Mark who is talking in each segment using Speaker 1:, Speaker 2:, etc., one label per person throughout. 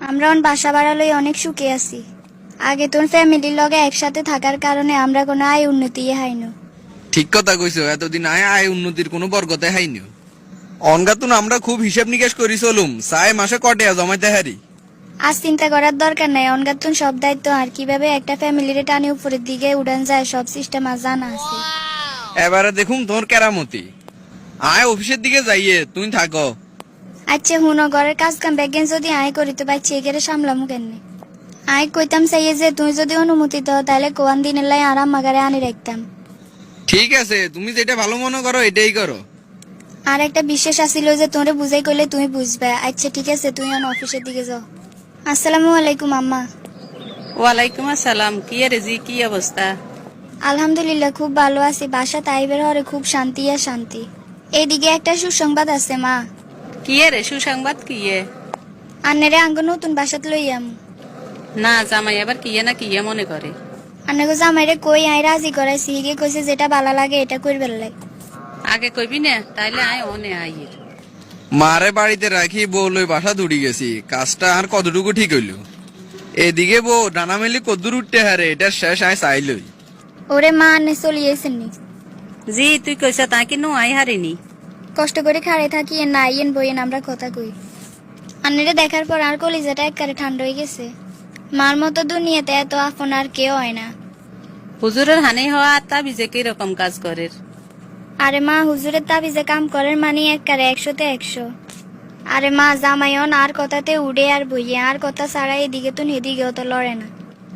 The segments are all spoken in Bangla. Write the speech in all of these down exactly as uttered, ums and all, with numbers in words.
Speaker 1: আমরা অন বাসা বাড়ালই অনেক সুখে আছি। আগে তোর ফ্যামিলির লগে একসাথে থাকার কারণে আমরা কোনো আয় উন্নতি হাইনো।
Speaker 2: ঠিক কথা কইছো, এতদিন আয় আয় উন্নতির কোনো বরগতে হাইনি। অনগাতুন আমরা খুব হিসাব নিকেশ করি চলুম, চাই মাসে কটে জমাইতে হারি।
Speaker 1: আজ চিন্তা করার দরকার নাই, অনগাতুন সব দায়িত্ব আর কিভাবে একটা ফ্যামিলির টানে উপরের দিকে উড়ান যায় সব সিস্টেম আর জানা আছে।
Speaker 2: এবারে দেখুম তোর কেরামতি। আয় অফিসের দিকে যাইয়ে তুই থাকো।
Speaker 1: আচ্ছা হুনো, ঘরের কাজ কাম ব্যাগেন যদি আয় করি তো বাইছে এগেরে সামলামু কেনে। আয় কইতাম চাইয়ে যে তুই যদি অনুমতি দাও তাহলে কোয়ান দিনের লাই আরাম মাগারে আনি রাখতাম।
Speaker 2: ঠিক আছে, তুমি যেটা ভালো মনে করো এটাই করো।
Speaker 1: আর একটা বিশেষ আসিল যে তোরে বুঝাই করলে তুমি বুঝবে। আচ্ছা ঠিক আছে, তুই অন অফিসের দিকে যাও। আসসালামু আলাইকুম আম্মা।
Speaker 3: ওয়ালাইকুম আসসালাম। কি রে জি, কি অবস্থা?
Speaker 1: আলহামদুলিল্লাহ খুব ভালো আছি। বাসা তাইবের হরে খুব শান্তি আর শান্তি। এইদিকে একটা সুসংবাদ আছে মা।
Speaker 3: কি রে সুসংবাদ? কি এ?
Speaker 1: আন্নারে আঙ্গ নতুন বাসাত লইয়াম।
Speaker 3: না জামাই আবার কি না কি মনে করে?
Speaker 1: আন্নাগো জামাইরে কই আই রাজি করাইছি, হিগে কইছে যেটা ভালো লাগে এটা করবে লাই।
Speaker 3: আগে কইবি না তাইলে আয় অনে আইয়ের।
Speaker 2: মারে বাড়িতে রাখি বউ লই বাসা দৌড়ি গেছি, কাজটা আর কতটুকু ঠিক হইল। এদিকে বউ ডানা মেলি কদ্দুর উঠতে হারে, এটা শেষ আয় চাইলই।
Speaker 1: ওরে মা আন্নে চলিয়েছেন নি।
Speaker 3: জি তুই কইছ তা কি নো আই হারিনি।
Speaker 1: কষ্ট করে খাড়ে থাকি না আইয়েন বইয়েন আমরা কথা কই। আন্নারে দেখার পর আর কলিজাটা একবারে ঠান্ডা হয়ে গেছে। মার মতো দুনিয়াতে এত আপন আর কেউ হয় না।
Speaker 3: হুজুরের হানি হওয়া তা বিজে কি রকম কাজ করে?
Speaker 1: আরে মা হুজুরের তাবিজে কাম করেন মানে একবারে একশোতে একশো। আরে মা জামাইন আর কথাতে উড়ে আর বইয়ে আর কথা ছাড়া এদিকে তো হেদিকেও তো লড়ে না।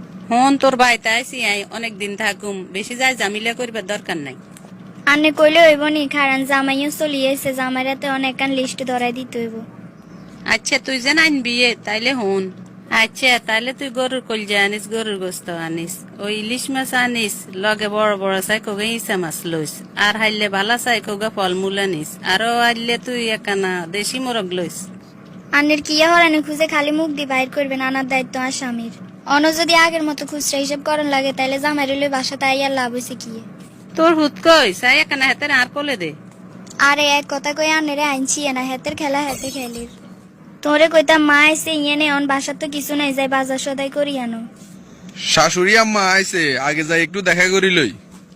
Speaker 3: হন তোর বাড়িতে আইসি আই অনেক দিন থাকুম, বেশি যায় জামিলা করবার দরকার নাই।
Speaker 1: আন্নে কইলে হইব নি, কারণ জামাইও চলিয়েছে, জামাইরাতে অনেক কান লিস্ট ধরাই দিতে হইব।
Speaker 3: আচ্ছা তুই যে আনবি এ, তাইলে হন। আচ্ছা তাইলে তুই গরুর কলজা আনিস, গরুর গোস্ত আনিস, ওই ইলিশ মাছ আনিস, লগে বড় বড় চাই কোগে ইসা মাছ লইস, আর হাইলে ভালা চাই কোগে ফলমূল আনিস, আরো আইলে তুই একানা দেশি মোরগ লইস।
Speaker 1: আন্নের কিয়া হরানি খুঁজে খালি মুখ দিয়ে বাইর করবেন, আনার দায়িত্ব আর স্বামীর। অন যদি আগের মতো খুচরা হিসেব করন লাগে তাইলে জামাইরে লই বাসা তাই আর লাভ হইছে কি।
Speaker 3: তোর হুত কই চাই একানা হাতের আর কোলে দে।
Speaker 1: আরে এক কথা কই আন্নেরে আইনছি না, হেতের খেলা হেতে খেলির। তোরে কইতাম মা আইসে ইয়ে নে অন বাসার তো কিছু নাই, যাই বাজার সদাই করি আনো।
Speaker 2: শাশুড়ি আম্মা আইছে, আগে যাই একটু দেখা করি লই।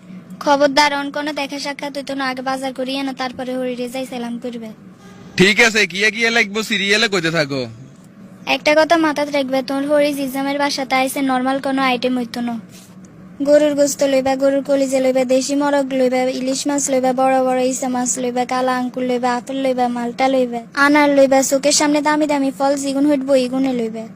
Speaker 1: খবরদার অন কোনো দেখা সাক্ষাৎ হইতো না, আগে বাজার করি আনো তারপরে হরিরে যাই সালাম করবে।
Speaker 2: ঠিক আছে, কিয়া কিয়া লাগবো সিরিয়ালে কইতে থাকো।
Speaker 1: একটা কথা মাথাত রাখবে, তোর হরি জিজামের বাসাতে আইসে নর্মাল কোনো আইটেম হইতো না। গরুর গোস্ত লইবা, গরুর কলিজা লইবা, দেশি মরগ লইবা, ইলিশ মাছ লইবা, বড় বড় ইসা মাছ লইবা, কালা আঙ্কুর লইবা, আপেল লইবা, মালটা লইবা, আনার লইবা, চোখের সামনে দামি দামি ফল জিগুন হইটবো ইগুনে লইবা।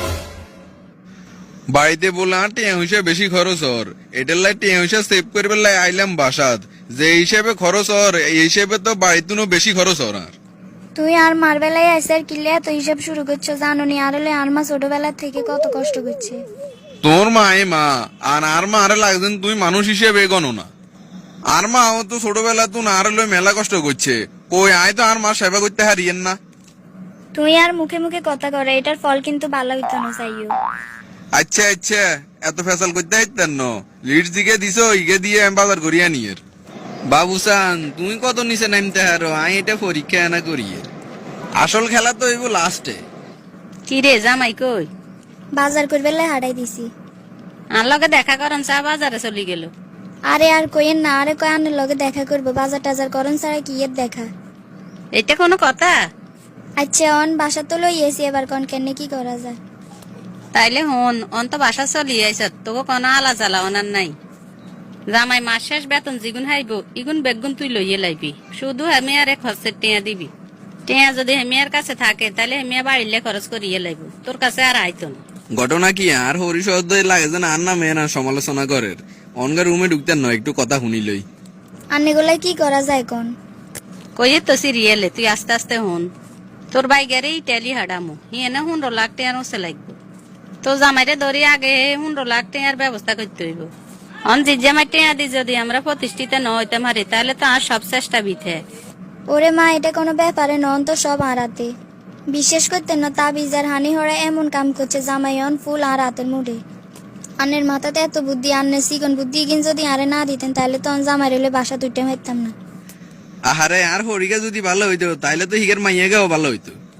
Speaker 2: বাড়িতে বললাম টিয়া হিসেবে বেশি খরচ হর, এটার লাই টিয়া হিসেবে সেভ করবার লাই আইলাম বাসাত। যে হিসেবে খরচ হর এই হিসেবে তো বাড়িতে বেশি খরচ হর। আর
Speaker 1: তুই আর মার বেলায় আইসে আর কিলে এত হিসাব শুরু করছো জানো নি? আর হলে আর মা ছোটবেলা থেকে কত কষ্ট করছে।
Speaker 2: তোর মা এ মা আর আর মা আরে লাগছেন তুই মানুষ হিসেবে গণো না। আর মা ও তো ছোটবেলা তুই আর লই মেলা কষ্ট করছে, কই আয় তো আর মা সেবা করতে হারিয়েন না।
Speaker 1: তুই আর মুখে মুখে কথা করে, এটার ফল কিন্তু ভালো হইতো না চাইও।
Speaker 2: আচ্ছা আচ্ছা, এত ফেসাল করতে হাইতেন ন, লিড দিকে দিছো ইগে দিয়ে আমি বাজার করিয়া নিয়ের। বাবুসান তুমি কত নিচে নামতে হারো, আই এটা পরীক্ষা না করিয়ে। আসল খেলা তো এইব লাস্টে।
Speaker 3: কি রে জামাই কই?
Speaker 1: বাজার করবে লাই হারাই দিছি।
Speaker 3: আর লগে দেখা করন চা বাজারে চলি গেল।
Speaker 1: আরে আর কইেন না, আরে কয় আনের লগে দেখা করবো, বাজার টাজার করন ছাড়া কি এর দেখা।
Speaker 3: এটা কোনো কথা?
Speaker 1: আচ্ছা অন বাসা তো লইয়েছি, এবার কন কেন কি করা যায়।
Speaker 3: তাইলে হন অন তো বাসা চলি আইস, তোকে কোনো আলা জ্বালা অনার নাই। জামাই মাস শেষ বেতন জিগুন হাইব ইগুন বেগুন তুই লইয়ে লাইবি, শুধু হেমিয়ার এক খরচের টিয়া দিবি। টিয়া যদি হেমিয়ার কাছে থাকে তাহলে হেমিয়া বাড়িলে খরচ করিয়ে লাইব, তোর কাছে আর আইতো না।
Speaker 2: ঘটনা কি আর হরিশব্দ লাগে যেন আর না মেয়েরা সমালোচনা করে। অনগা রুমে ঢুকতেন নয়, একটু কথা শুনিলই।
Speaker 1: আন্নে গোলাই কি করা যায় কোন?
Speaker 3: কইয়ে তো সিরিয়ালে তুই আস্তে আস্তে হন। তোর বাই গেরে ইটালি হাডামো হিয়ে না হুন্ডো লাখ টিয়ার ওসে লাগবো। তো জামাইরে ধরি আগে হুন্ডো লাখ টিয়ার ব্যবস্থা করতে হইব। অন যে জামাই টিয়া দি যদি আমরা প্রতিষ্ঠিত ন হইতে মারি তাহলে তো আর সব চেষ্টা বিথে।
Speaker 1: ওরে মা এটা কোনো ব্যাপারে নন তো, সব আড়াতে। বিশেষ করতে না তাবিজার হানি হরা এমন কাম করছে জামাইয়ন ফুল আর রাতের মুডে। আন্নের মাথাতে এত বুদ্ধি, আন্নের সিগন বুদ্ধি কিন যদি আরে না দিতেন তাহলে তো জামাই রেলে বাসা তুইতে পারতাম না।
Speaker 2: আহারে আর হরিকা যদি ভালো হইতো তাইলে তো হিগের মাইয়াগাও ভালো হইতো।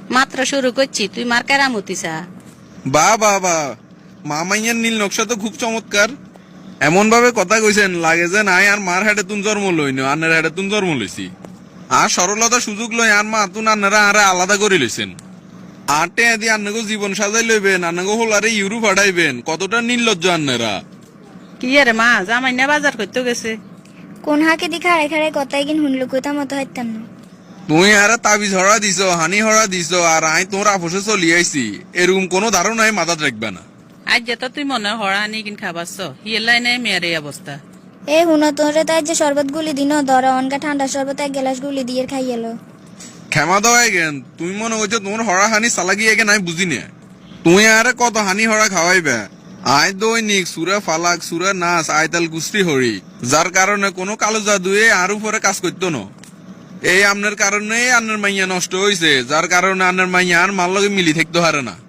Speaker 3: মাত্র শুরু করছি, তুই মার কেরামতি চা।
Speaker 2: বা বা বা মামাইয়ার নীল নকশা তো খুব চমৎকার। এমন ভাবে কথা কইছেন লাগে যে নাই আর মার হাটে তুন জন্ম লইনি, আন্নার হাটে তুন জন্ম লইছি। আর সরলতা সুযোগ লই আর মা তুন আন্নারা আরে আলাদা করে লইছেন। আটে আদি আন্নাগো জীবন সাজাই লইবেন, আন্নাগো হোলারে ইউরোপ হাঁটাইবেন, কতটা নির্লজ্জ আন্নারা।
Speaker 3: কি রে মা, জামাই না বাজার করতে গেছে?
Speaker 1: কোন হাকে দি খাড়ে খাড়ে কথাই কিন শুনলো কোথা মতো হাইতাম না।
Speaker 2: তুই আর তাবিজ হরা দিছ, হানি হরা দিছ, আর আই তোর আপোষে চলি আইছি, এরকম কোনো ধারণাই মাথাত রাখবে না।
Speaker 3: আজ যেত তুই মনে হড়া আনি কিন খাবাস, হিয়েলাই নাই মেয়ের এই অবস্থা।
Speaker 1: এ হুনো তোরে তাই যে শরবত গুলি দিন ধরো অনকা ঠান্ডা শরবত এক গ্লাস গুলি দিয়ে খাই এলো।
Speaker 2: ক্ষমা দেওয়াই গেন, তুমি মনে করছো তোমার হরা হানি চালাকি এগে নাই বুঝি না। তুই আর কত হানি হরা খাওয়াইবে। আয় দৈনিক সুরা ফালাক, সুরা নাচ, আয়তাল কুস্তি হরি, যার কারণে কোনো কালো জাদুয়ে আর উপরে কাজ করতো না। এই আপনার কারণে আপনার মাইয়া নষ্ট হয়েছে, যার কারণে আপনার মাইয়া আর মার লগে মিলি থাকতে পারে না।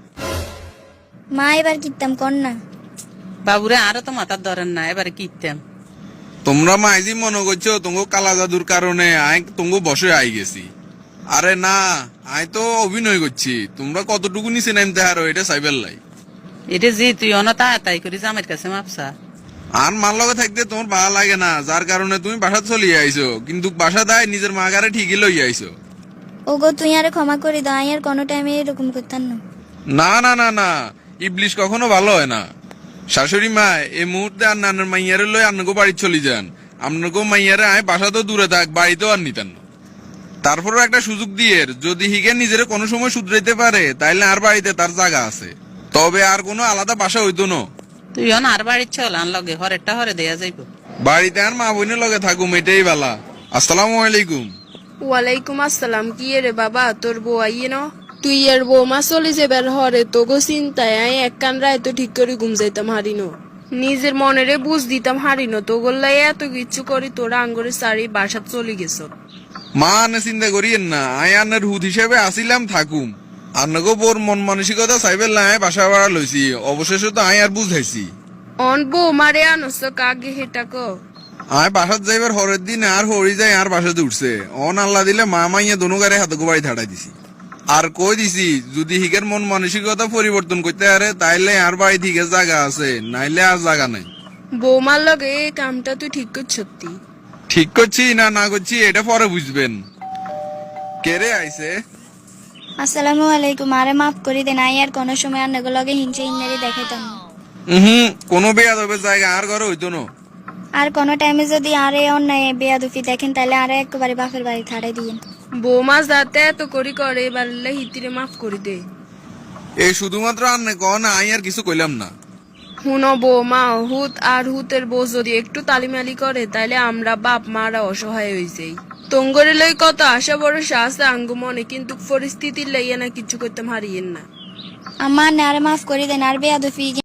Speaker 1: মা এবার কিতাম কর না।
Speaker 3: বাবুরে আরো তো মাথার ধরেন না, এবারে কিতাম।
Speaker 2: তোমরা মাইজি মনে করছো তোমাকে কালা জাদুর কারণে আয় তোমাকে বসে আই গেছি। আরে না, আয় তো অভিনয় করছি। তোমরা কতটুকু নিচে নামতে হারো এটা সাইবেল লাই।
Speaker 3: এটা যে তুই অনতা তাই করি জামাইয়ের কাছে মাপসা।
Speaker 2: আর মার লগে থাকতে তোমার ভালো লাগে না, যার কারণে তুমি বাসা চলিয়ে আইছো, কিন্তু বাসা দায় নিজের মা গারে ঠিকই লই আইছো।
Speaker 1: ও গো তুই আরে ক্ষমা করে দাও, আর কোনো টাইমে এরকম করতাম না।
Speaker 2: না না না না, ইবলিশ কখনো ভালো হয় না। শাশুড়ি মা এই মুহূর্তে আর নানার মাইয়ারে লই আপনাকে বাড়ি চলে যান। আপনাকে মাইয়ারে আয় বাসা তো দূরে থাক, বাড়িতেও আর নিতেন না। তারপরও একটা সুযোগ দিয়ে যদি হিগে নিজের কোনো সময় শুধরাইতে পারে, তাইলে আর বাড়িতে তার জায়গা আছে, তবে আর কোনো আলাদা বাসা হইতো না।
Speaker 3: তুই অন আর বাড়ির চল, আন লগে হরেরটা হরে দেয়া যাইব।
Speaker 2: বাড়িতে আর মা বোনের লগে থাকুম, এটাই বালা। আসসালামু আলাইকুম।
Speaker 4: ওয়ালাইকুম আসসালাম। কি রে বাবা, তোর বউ আইয়ে ন? তুই আর বৌমা চলে যাবার হরে তো গো চিন্তায় আই এক কান রায় তো ঠিক করে ঘুম যাইতাম হারিনো। নিজের মনেরে বুঝ দিতাম হারিনো, তো গোল্লাই এত কিচ্ছু করি তোরা আঙ্গুরে সারি বাসাত চলে গেছ।
Speaker 2: মা আনে চিন্তা করিয়েন না, আয় আন্নার হুদ হিসেবে আসিলাম থাকুম। আন্নাগো বোর মন মানসিকতা সাইবেল না আয় বাসা ভাড়া লইছি, অবশেষে তো আয় আর বুঝাইছি।
Speaker 4: অন বৌমারে আনস কাগে হেটা ক।
Speaker 2: আয় বাসাত যাইবার হরের দিন আর হরি যায় আর বাসাতে উঠছে। অন আল্লাহ দিলে মা মাইয়া দোনো গাড়ি হাতে গোবাড়ি থাড়াই দিছি। আর কই দিছি যদি হিগের মন মানসিকতা পরিবর্তন করতে পারে তাইলে আর বাড়ি থেকে জায়গা আছে, নাইলে আর জায়গা নাই।
Speaker 4: বৌমার লগে এই কামটা তুই ঠিক করছ? সত্যি
Speaker 2: ঠিক করছি না না করছি এটা পরে বুঝবেন। কেরে আইছে?
Speaker 1: আসসালামু আলাইকুম, আরে মাফ করে দেন, আই আর কোনো সময় আর নগো লগে হিংসে ইন্নারি দেখাইতাম না।
Speaker 2: হুম, কোনো বেয়াদবের জায়গা আর ঘরে হইতো না।
Speaker 1: আর কোনো টাইমে যদি আরে অন্যায় বেয়াদুফি দেখেন তাহলে আরে একেবারে বাপের বাড়ি থাড়াই দিয়েন।
Speaker 4: বৌমা যাতে এত করি করে এবার হিতিরে মাফ করে দে।
Speaker 2: এই শুধুমাত্র আর না কন, আই আর কিছু কইলাম না।
Speaker 4: হুনো বৌমা, হুত আর হুতের বউ যদি একটু তালিমালি করে তাইলে আমরা বাপ মারা অসহায় হয়ে যাই। তঙ্গরে লই কত আশা ভরসা আছে আঙ্গু মনে, কিন্তু পরিস্থিতির লাইয়া না কিছু করতে হারিয়েন না।
Speaker 1: আমার না আরে মাফ করে দেন, আর বেয়াদুফি